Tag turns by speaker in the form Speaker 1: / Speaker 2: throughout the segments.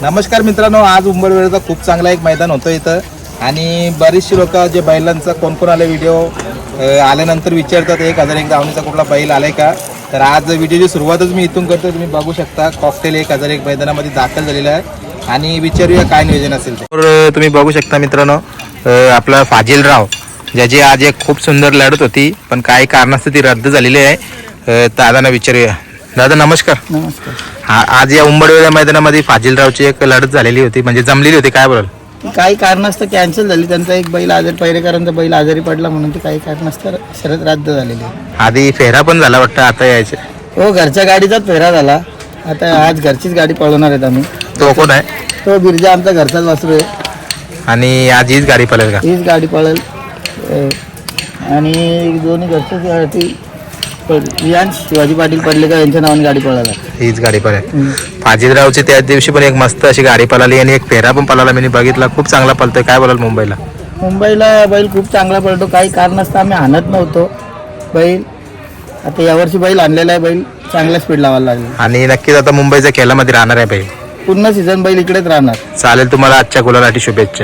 Speaker 1: नमस्कार मित्रांनो, आज उंबरवेळेचा खूप चांगला एक मैदान होतं इथं आणि बरीचशी लोक जे बैलांचा कोण आले व्हिडिओ आल्यानंतर विचारतात 1001 धावणीचा कुठला बैल आलाय का. तर आज व्हिडिओची सुरुवातच मी इथून करतो. तुम्ही बघू शकता कॉकटेल 1001 मैदानामध्ये दाखल झालेला आहे आणि विचारूया काय नियोजन असेल ते. तर तुम्ही बघू शकता मित्रांनो, आपला फाजिलराव ज्याची आज एक खूप सुंदर लढत होती पण काही कारणास्तव ती रद्द झालेली आहे. दादांना विचारूया. दादा नमस्कार.
Speaker 2: नमस्कार.
Speaker 1: आज या उंबरवेळा मैदानामध्ये फाजिलरावची एक लढत झालेली होती, म्हणजे जमलेली होती, काय बोलाल?
Speaker 2: काही कारणास्तव कॅन्सल झाली. त्यांचा एक बैल आजारी, पहिरेकरांचा बैल आजारी पडला म्हणून ती काही कारणास्तव शर्यत रद्द झालेली.
Speaker 1: आधी फेरा पण झाला वाटतं, आता यायचे.
Speaker 2: हो, घरच्या गाडीचाच फेरा झाला. आता आज घरचीच गाडी पळवणार आहेत आम्ही.
Speaker 1: तो कोण आहे?
Speaker 2: तो बिरजा आमचा घरचाच वासरू आहे
Speaker 1: आणि आज हीच गाडी पळेल का?
Speaker 2: हीच गाडी पळेल आणि दोन्ही घरच्याच रियांश शिवाजी पाटील पडलेकर यांच्या नावाने गाडी पळायला
Speaker 1: हीच गाडी पळेल. फाजिलरावची त्या दिवशी पण एक मस्त अशी गाडी पळाली आणि एक फेरा पण पळाला. मी बघितला, खूप चांगला पळतोय. काय बोलाल मुंबईला?
Speaker 2: मुंबईला बैल खूप चांगला पळतो. काही कारणास्तव आम्ही आणत नव्हतो बैल. आता यावर्षी बैल आणलेला आहे. बैल चांगला स्पीड लावायला लागला
Speaker 1: आणि नक्कीच आता मुंबईच्या खेळामध्ये राहणार आहे बैल.
Speaker 2: पूर्ण सीझन बैल इकडेच राहणार.
Speaker 1: चालेल, तुम्हाला आजच्या गुलालासाठी शुभेच्छा.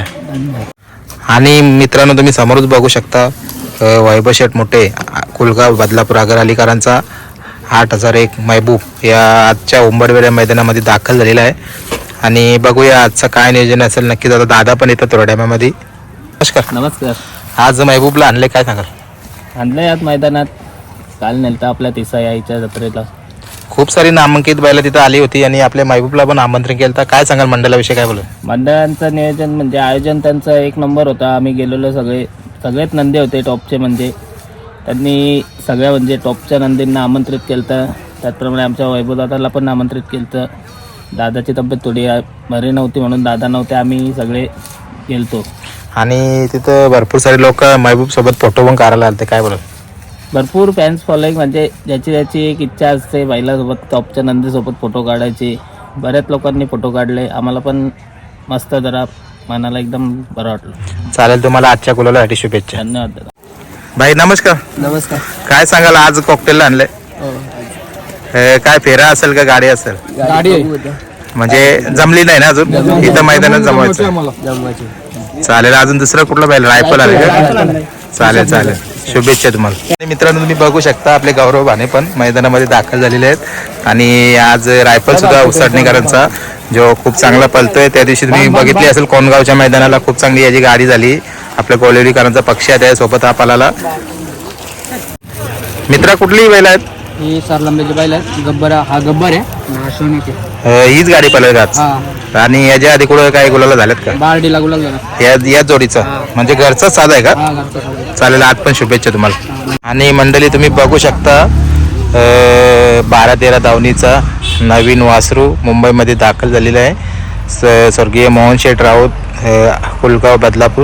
Speaker 1: आणि मित्रांनो, तुम्ही समोरच बघू शकता वैभव शेठ मोठे कुलगाव बदलापूर आगर अलीकरांचा 8001 महबूब या आजच्या उंबरवेळा मैदानामध्ये दाखल झालेला आहे आणि बघूया आजचं काय नियोजन असेल. नक्कीच आता दादा पण येतात थोड्या टायमामध्ये. नमस्कार.
Speaker 2: नमस्कार.
Speaker 1: आज महबूबला आणले, काय सांगाल?
Speaker 2: आणलंय आज मैदानात. काल नेलता आपल्या तिसा यायच्या जत्रेला.
Speaker 1: खूप सारी नामांकित बैलं तिथं आली होती आणि आपल्या महबूबला पण आमंत्रण केलं. तर काय सांगाल मंडळाविषयी, काय बोलू?
Speaker 2: मंडळांचं नियोजन म्हणजे आयोजन त्यांचं एक नंबर होता. आम्ही गेलेलो सगळेच नंदी होते टॉपचे. म्हणजे त्यांनी सगळ्या म्हणजे टॉपच्या नंदींना आमंत्रित केलं. त्याचप्रमाणे आमच्या वैभवदादाला पण आमंत्रित केलं. दादाची तब्येत थोडी बरी नव्हती म्हणून दादा नव्हते, आम्ही सगळे गेलतो.
Speaker 1: आणि तिथं भरपूर सारे लोक महबूब सोबत फोटो पण करायला आले. काय बोलत?
Speaker 2: भरपूर फॅन्स फॉलोईंग, म्हणजे ज्याची एक इच्छा असते बैलासोबत टॉपच्या नंदीसोबत फोटो काढायची. बऱ्याच लोकांनी फोटो काढले. आम्हाला पण मस्त, जरा मनाला एकदम बरं वाटलं.
Speaker 1: चालेल, तुम्हाला आजच्या गुलालासाठी शुभेच्छा.
Speaker 2: धन्यवाद दादा.
Speaker 1: भाई नमस्कार.
Speaker 2: नमस्कार.
Speaker 1: काय सांगाल, आज कॉकटेलला आणले? काय फेरा असेल का गाडी असेल?
Speaker 2: गाडी
Speaker 1: म्हणजे जमली नाही ना अजून, इथं मैदानात जमवायचं. चालेल, अजून दुसरं कुठलं बैल? रायफल आले का? चालेल चालेल, शुभेच्छा तुम्हाला. मित्रांनो, तुम्ही बघू शकता आपले गौरव भाने पण मैदानामध्ये दाखल झालेले आहेत आणि आज रायफल सुद्धा उसटणेकरांचा जो खूप चांगला पळतोय. त्या दिवशी तुम्ही बघितली असेल कोणगावच्या मैदानाला खूप चांगली याची गाडी झाली. आपल्या कोलेरीकरांचा पक्ष आहे त्यासोबत हा पळाला. मित्रा, कुठलीही बैल आहेत?
Speaker 2: ही सरलंबेची बैल आहे. गब्बर, हा गब्बर आहे.
Speaker 1: हीच गाडी पळेल का? आणि याच्या आधी कुठं काय गुलाला झाल्यात का?
Speaker 2: बारडीला गुलाल झाला.
Speaker 1: या जोडीचा म्हणजे घरचाच साधा आहे का? चालेल, आज पण शुभेच्छा तुम्हाला. आणि मंडळी, तुम्ही बघू शकता 12-13 धावणीचा नवीन वासरू मुंबईमध्ये दाखल झालेला आहे. स्वर्गीय मोहन शेठ राऊत, कुलगाव बदलापूर,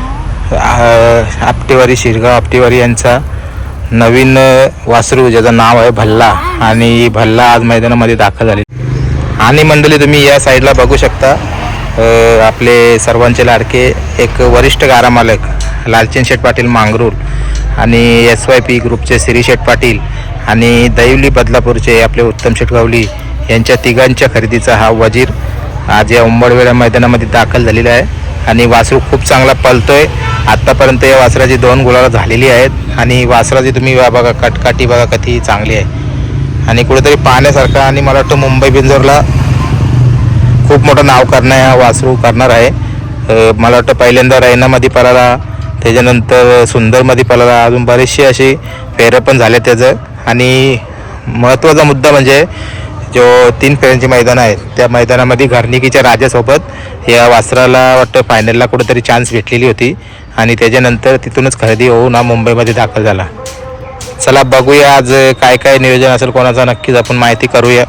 Speaker 1: आपटेवारी शिरगाव आपटेवारी यांचा नवीन वासरू ज्याचं नाव आहे भल्ला. आणि भल्ला आज मैदानामध्ये दाखल झाले. आणि मंडळी, तुम्ही या साईडला बघू शकता आपले सर्वांचे लाडके एक वरिष्ठ गारा मालक लालचंद शेठ पाटील मांगरूळ आणि SYP ग्रुपचे श्री शेठ पाटील आणि दैवली बदलापूरचे आपले उत्तम शेठ गावली यांच्या तिघांच्या खरेदीचा हा वजीर आज या उंबरवेळा मैदानामध्ये दाखल झालेला आहे. आणि वासरू खूप चांगला पळतोय. आत्तापर्यंत या वासराची 2 गुलाला झालेली आहेत आणि वासराची तुम्ही बघा कटकाठी बघा किती चांगली आहे आणि कुठेतरी पाहण्यासारखा. आणि मला वाटतं मुंबई बिंजोरला खूप मोठं नाव हा वासरू करणार आहे. मला वाटतं पहिल्यांदा रैनामध्ये पळाला, त्याच्यानंतर सुंदरमध्ये पळाला, अजून बरेचसे असे फेरं पण झाले त्याचं. आणि महत्त्वाचा मुद्दा म्हणजे जो 3 फेऱ्यांची मैदान आहेत त्या मैदानामध्ये घरनिकीच्या राजासोबत या वासराला वाटतं फायनलला कुठेतरी चान्स भेटलेली होती आणि त्याच्यानंतर तिथूनच खरेदी होऊन हा मुंबईमध्ये दाखल झाला. चला बघूया आज काय काय नियोजन असेल कोणाचा, नक्कीच आपण माहिती करूया.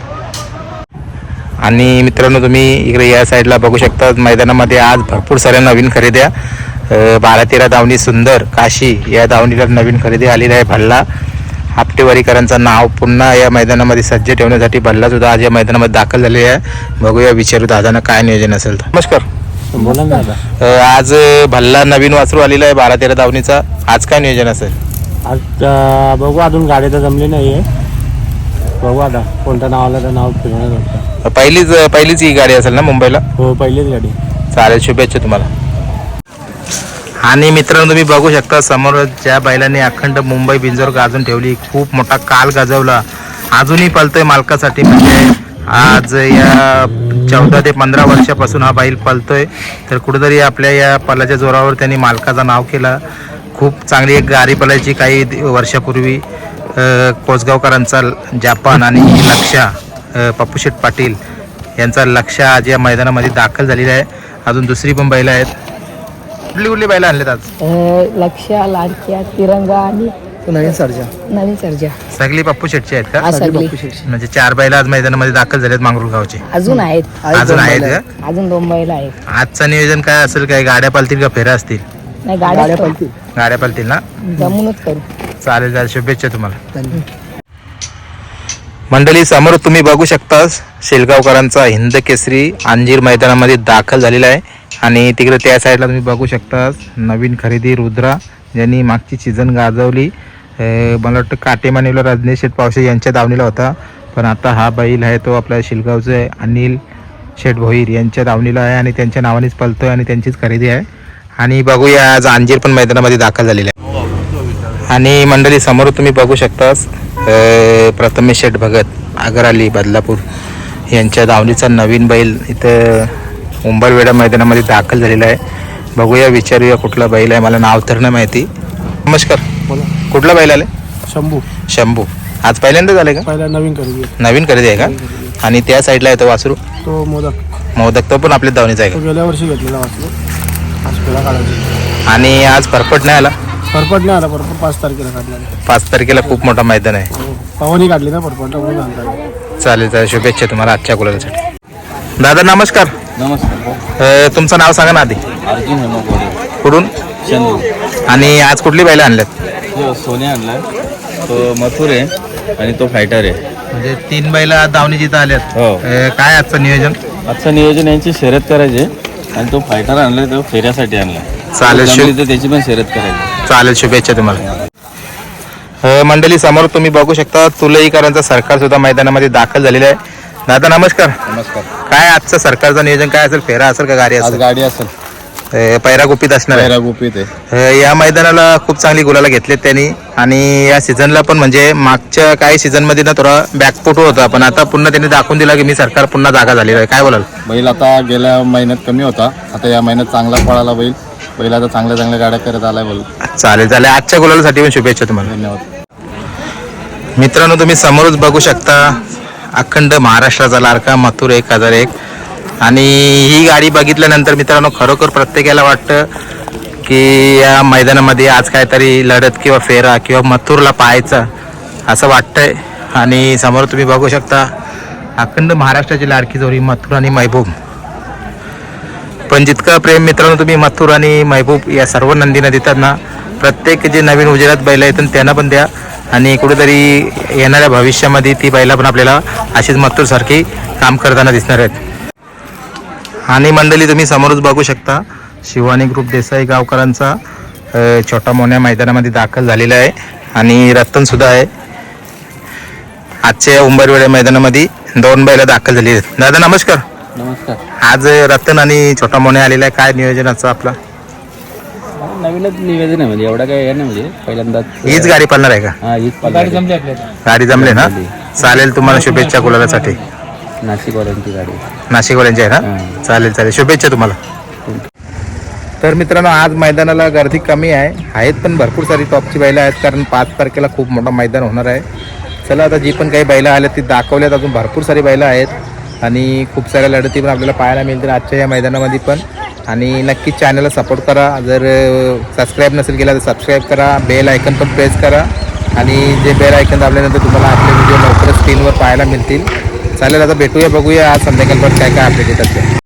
Speaker 1: आणि मित्रांनो, तुम्ही इकडे या साईडला बघू शकता मैदानामध्ये आज भरपूर साऱ्या नवीन खरेद्या. 12-13 धावणी सुंदर काशी या धावणीला नवीन खरेदी आलेली आहे. भल्ला आपटेवारीकरांचं नाव पुन्हा या मैदानामध्ये सज्ज ठेवण्यासाठी भल्ला सुद्धा आज या मैदानामध्ये दाखल झालेली आहे. बघूया, विचारू दादांना काय नियोजन असेल तर. नमस्कार.
Speaker 2: बोला ना दादा.
Speaker 1: आज भल्ला नवीन वासरू आलेला आहे 12-13 धावणीचा. आज काय नियोजन असेल?
Speaker 2: आज बघू, अजून गाडी तर जमली नाही आहे.
Speaker 3: बघू आता कोणतं नाव आलं तर नाव फिरवण्यात वाटतं.
Speaker 1: पहिलीच ही गाडी असेल ना मुंबईला?
Speaker 3: हो पहिलीच गाडी.
Speaker 1: चालेल, शुभेच्छा तुम्हाला. आणि मित्रांनो तुम्ही बघू शकता समोर ज्या बैलांनी अखंड मुंबई बिंजोर गाजून ठेवली, खूप मोठा काल गाजवला, अजूनही पळतोय मालकासाठी. म्हणजे आज या 14 ते 15 वर्षापासून हा बैल पळतोय. तर कुठेतरी आपल्या या पलाच्या जोरावर त्यांनी मालकाचं नाव केलं. खूप चांगली एक गाडी पळायची काही वर्षापूर्वी. कोसगावकरांचा जापान आणि लक्षा पप्पूशेठ पाटील यांचा लक्ष आज या मैदानामध्ये दाखल झालेला आहे. अजून दुसरी पण बैलं आहेत. कुठली बैलं आणलेत आज?
Speaker 4: लक्ष्या, लाडक्या, तिरंगा आणि नवीन सर्जा
Speaker 1: सगळी पप्पूशेठची आहेत का?
Speaker 4: हा, सगळी.
Speaker 1: म्हणजे 4 बैल आज मैदानामध्ये दाखल झालेत मांगरूळ गावचे.
Speaker 4: अजून आहेत
Speaker 1: अजून आहेत का?
Speaker 4: अजून 2 बैल आहेत.
Speaker 1: आजचं नियोजन काय असेल? काय गाड्या पळतील का फेऱ्या असतील?
Speaker 4: नाही, गाड्या पळतील.
Speaker 1: गाड्या पळतील ना?
Speaker 4: जमूनच करू.
Speaker 1: चालेल चालेल, शुभेच्छा तुम्हाला. मंडळी समोर तुम्ही बघू शकता शेलगावकरांचा हिंद केसरी अंजीर मैदानामध्ये दाखल झालेला आहे. आणि तिकडे त्या साईडला तुम्ही बघू शकता नवीन खरेदी रुद्रा, ज्यांनी मागची सीझन गाजवली. मला वाटतं काटेमानीला रजनीश शेठ पावसे यांच्या दावणीला होता, पण आता हा बैल आहे तो आपल्या शिलगावचे अनिल शेठ भोईर यांच्या दावणीला आहे आणि त्यांच्या नावानेच पळतोय आणि त्यांचीच खरेदी आहे. आणि बघूया आज अंजीर पण मैदानामध्ये दाखल झालेला आहे. आणि मंडळी समोर तुम्ही बघू शकता प्रथमेश शेठ भगत आगराली बदलापूर यांच्या दावणीचा नवीन बैल इथं उंबरवेढा मैदानामध्ये दाखल झालेला आहे. बघूया, विचारूया कुठला बैल आहे. मला नाव तर नाही माहिती. नमस्कार, कुठला बैल आले? शंभू. आज पहिल्यांदा झाले का?
Speaker 3: पहिला नवीन
Speaker 1: नवीन खरेदी आहे का? आणि त्या साईडला आहे तो वासरू?
Speaker 3: तो
Speaker 1: मोदक तो पण आपल्या दावणीचा आहे का?
Speaker 3: गेल्या वर्षी घेतलेला वासरू. आज पेढा काढायची.
Speaker 1: आणि आज फरफट नाही आला?
Speaker 3: परपट नाही आला. परपट 5 तारखेला काढला.
Speaker 1: 5 तारखेला खूप मोठा मैदान आहे.
Speaker 3: पवनी काढली ना परपट.
Speaker 1: चालेल चालेल, शुभेच्छा तुम्हाला आजच्या गुलालासाठी. दादा नमस्कार.
Speaker 2: नमस्कार.
Speaker 1: तुमचं नाव सांगा ना आधी.
Speaker 2: अर्जुन हेमोगोडे,
Speaker 1: कुठून?
Speaker 2: चंदू.
Speaker 1: आणि आज कुठली बैलं आणल्यात?
Speaker 2: सोने आणला, तो मथुर आहे आणि तो फायटर आहे.
Speaker 1: म्हणजे 3 बैलं आज दावणी जिथं आल्यात.
Speaker 2: हो.
Speaker 1: काय आजचं नियोजन?
Speaker 2: आजचं नियोजन यांची शर्यत करायची आणि तो फायटर आणला, तो फेऱ्यासाठी आणला.
Speaker 1: चालेल,
Speaker 2: तर त्याची पण शर्यत करायची.
Speaker 1: चालेल, शुभेच्छा तुम्हाला. मंडळी समोर तुम्ही बघू शकता तुलईकरांचा सरकार सुद्धा मैदानामध्ये दाखल झालेला आहे. दादा नमस्कार.
Speaker 2: नमस्कार.
Speaker 1: काय आजचं सरकारचं नियोजन काय असेल? फेरा असेल का गाडी असेल?
Speaker 2: गाडी असेल.
Speaker 1: पैरा गुपित असणार आहे.
Speaker 2: गुपित आहे.
Speaker 1: या मैदानाला खूप चांगली गुलाला घेतलेत त्यांनी. आणि या सीझनला पण म्हणजे मागच्या काही सीझनमध्ये ना थोडा बॅकफुट होता, पण आता पुन्हा त्यांनी दाखवून दिला की मी सरकार पुन्हा जागा झालेला आहे. काय बोलाल?
Speaker 5: बैल आता गेल्या महिन्यात कमी होता, आता या महिन्यात चांगला पळाला बैल आता चांगल्या गाड्या करत आलाय बैल.
Speaker 1: चालेल चालेल, आजच्या गुलालासाठी पण शुभेच्छा तुम्हाला.
Speaker 5: धन्यवाद.
Speaker 1: मित्रांनो तुम्ही समोरच बघू शकता अखंड महाराष्ट्राचा लाडका मथुर 1001. आणि ही गाडी बघितल्यानंतर मित्रांनो खरोखर प्रत्येकाला वाटतं की या मैदानामध्ये आज काहीतरी लढत किंवा फेरा किंवा मथुरला पाहायचा असं वाटतंय. आणि समोर तुम्ही बघू शकता अखंड महाराष्ट्राची लाडकी जोडी मथुर आणि महबूब. पण जितकं प्रेम मित्रांनो तुम्ही मथुर आणि महबूब या सर्व नंदीनं देतात ना, प्रत्येक जे नवीन उजेडात बैल येतात त्यांना पण द्या. आणि कुठेतरी येणाऱ्या भविष्यामध्ये ती बैला पण आपल्याला अशीच मथुरसारखी काम करताना दिसणार आहेत. आणि मंडळी तुम्ही समोरच बघू शकता शिवानी ग्रुप देसाई गावकरांचा छोटा मोन्या मैदानामध्ये दाखल झालेला आहे. आणि रतन सुद्धा आहे. आजच्या उंबरवेढा मैदानामध्ये 2 बैला दाखल झाली आहेत. दादा नमस्कार.
Speaker 2: नमस्कार.
Speaker 1: आज रतन आणि छोटा मोन्या आलेला आहे. काय नियोजनाचं आपलं?
Speaker 2: नवीनच निवेदन आहे, म्हणजे एवढा काय आहे ना, म्हणजे पहिल्यांदाच
Speaker 1: हीच गाडी पळणार आहे का?
Speaker 2: हा, हीच
Speaker 3: गाडी जमली आपल्याला.
Speaker 1: गाडी जमले ना? चालेल, तुम्हाला शुभेच्छा गुलालासाठी.
Speaker 2: नाशिकवाल्यांची गाडी.
Speaker 1: नाशिकवाल्यांची आहे ना? चालेल चालेल, शुभेच्छा तुम्हाला. तर मित्रांनो आज मैदानाला गर्दी कमी आहेत पण भरपूर सारी टॉपची बैलं आहेत, कारण 5 तारखेला खूप मोठा मैदान होणार आहे. चला आता जी पण काही बैलं आल्यात ती दाखवल्यात. अजून भरपूर सारी बैलं आहेत आणि खूप साऱ्या लढती पण आपल्याला पाहायला मिळतील आजच्या या मैदानामध्ये पण. आणि नक्कीच चॅनलला सपोर्ट करा. जर सबस्क्राईब नसेल केला तर सबस्क्राईब करा. बेल आयकन पण प्रेस करा. आणि जे बेल आयकन दाबल्यानंतर तुम्हाला आपले व्हिडिओ लवकरच स्क्रीनवर पाहायला मिळतील. चालेल, आता भेटूया, बघूया आज संध्याकाळपर्यंत काय काय अपडेट येतात ते.